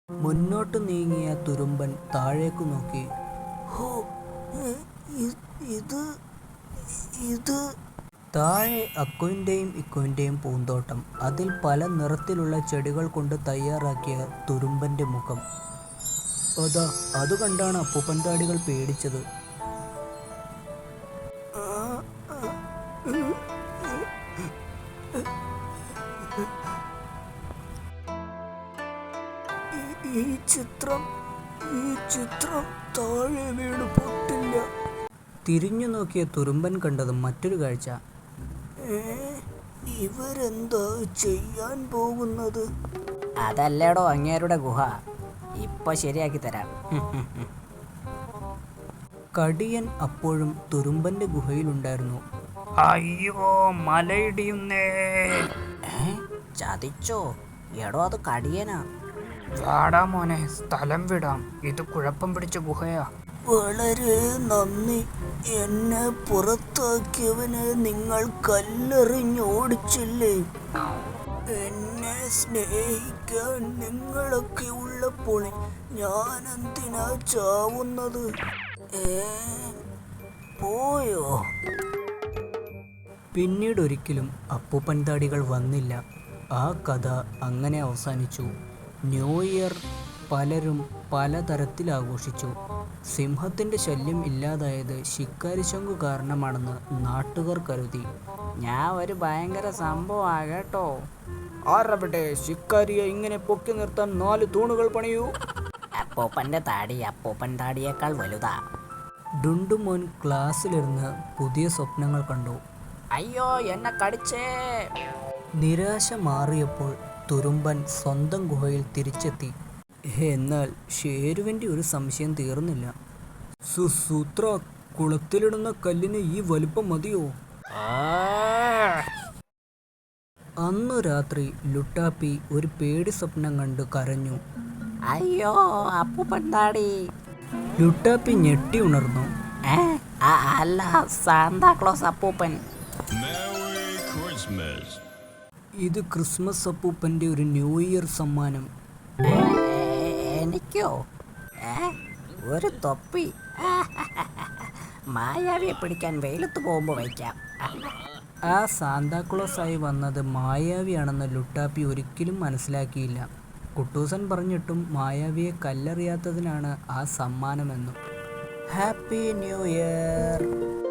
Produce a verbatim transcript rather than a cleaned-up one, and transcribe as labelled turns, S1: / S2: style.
S1: മുന്നോട്ടു നീങ്ങിയ തുരുമ്പൻ താഴേക്കു നോക്കി.
S2: ഹോ, ഇത് ഇത്
S1: താഴെ അക്കുവിൻ്റെയും ഇക്കുവിൻ്റെയും പൂന്തോട്ടം. അതിൽ പല നിറത്തിലുള്ള ചെടികൾ കൊണ്ട് തയ്യാറാക്കിയ തുരുമ്പൻ്റെ മുഖം. അതാ അത് കണ്ടാണ് അപ്പൂപ്പൻ താടികൾ പേടിച്ചത്.
S2: ഈ ചിത്രം ഈ ചിത്രം താഴെ വീണ് പൊട്ടില്ല.
S1: തിരിഞ്ഞു നോക്കിയ തുരുമ്പൻ കണ്ടത് മറ്റൊരു കാഴ്ച.
S2: ഇവരെന്താ ചെയ്യാൻ പോകുന്നത്?
S3: അതല്ലേടോ അങ്ങേരുടെ ഗുഹ, ഇപ്പൊ ശരിയാക്കി തരാം.
S1: കടിയൻ അപ്പോഴും തുരുമ്പന്റെ ഗുഹയിലുണ്ടായിരുന്നു.
S3: അയ്യോ, മലയിടിയുന്നേ! ചതിച്ചോ? എടോ, അത് കടിയനാ. വാടാ മോനെ, സ്ഥലം വിടാം. ഇത് കുഴപ്പം പിടിച്ച ഗുഹയാ.
S2: വളരെ നന്ദി. എന്നെ പുറത്താക്കിയവനെ നിങ്ങൾ കല്ലെറിഞ്ഞോടിച്ചില്ലേ? എന്നെ സ്നേഹിക്കാൻ നിങ്ങളൊക്കെ ഉള്ളപ്പോൾ ഞാൻ എന്തിനാ ചാവുന്നത്? ഏ പോയോ?
S1: പിന്നീടൊരിക്കലും അപ്പൂപ്പൻ താടികൾ വന്നില്ല. ആ കഥ അങ്ങനെ അവസാനിച്ചു. ന്യൂ ഇയർ പലരും പലതരത്തിൽ ആഘോഷിച്ചു. സിംഹത്തിൻ്റെ ശല്യം ഇല്ലാതായത് ശിക്കാരിശങ്കു കാരണമാണെന്ന് നാട്ടുകാർ കരുതി.
S3: ഞാൻ ഒരു ഭയങ്കര സംഭവമാ കേട്ടോ.
S1: ആരവിടെ ശിക്കാരിയെ ഇങ്ങനെ പൊക്കി നിർത്താൻ നാല് തൂണുകൾ പണിയൂ.
S3: അപ്പൂപ്പൻ്റെ താടി അപ്പൂപ്പൻ താടിയേക്കാൾ വലുതാ.
S1: ഡുണ്ടുമോൻ ക്ലാസ്സിലിരുന്ന് പുതിയ സ്വപ്നങ്ങൾ കണ്ടു.
S3: അയ്യോ, എന്നെ കടിച്ചേ!
S1: നിരാശ മാറിയപ്പോൾ തുരുമ്പൻ സ്വന്തം ഗുഹയിൽ തിരിച്ചെത്തി. എന്നാൽ ഷേരുവിൻ്റെ ഒരു സംശയം തീർന്നില്ല. സുസൂത്ര, കുളത്തിലിടുന്ന കല്ലിന് ഈ വലിപ്പം മതിയോ? അന്നു രാത്രി ലുട്ടാപ്പി ഒരു പേടി സ്വപ്നം കണ്ട് കരഞ്ഞു.
S3: അയ്യോ, അപ്പൂപ്പൻ താടി!
S1: ലുട്ടാപ്പി ഞെട്ടി ഉണർന്നു.
S3: അല്ല, സാന്താക്ലോസ് അപ്പൂപ്പൻ.
S1: ഇത് ക്രിസ്മസ് അപ്പൂപ്പൻ്റെ ഒരു ന്യൂ ഇയർ സമ്മാനം.
S3: എനിക്കോ? ഒരു തൊപ്പി? മായാവിയെ പിടിക്കാൻ വെയിലത്ത് പോകുമ്പോൾ വയ്ക്കാം.
S1: ആ സാന്താക്ലോസായി വന്നത് മായാവിയാണെന്ന് ലുട്ടാപ്പി ഒരിക്കലും മനസ്സിലാക്കിയില്ല. കുട്ടൂസൻ പറഞ്ഞിട്ടും മായാവിയെ കല്ലെറിയാത്തതിനാണ് ആ സമ്മാനമെന്നും. Happy new year!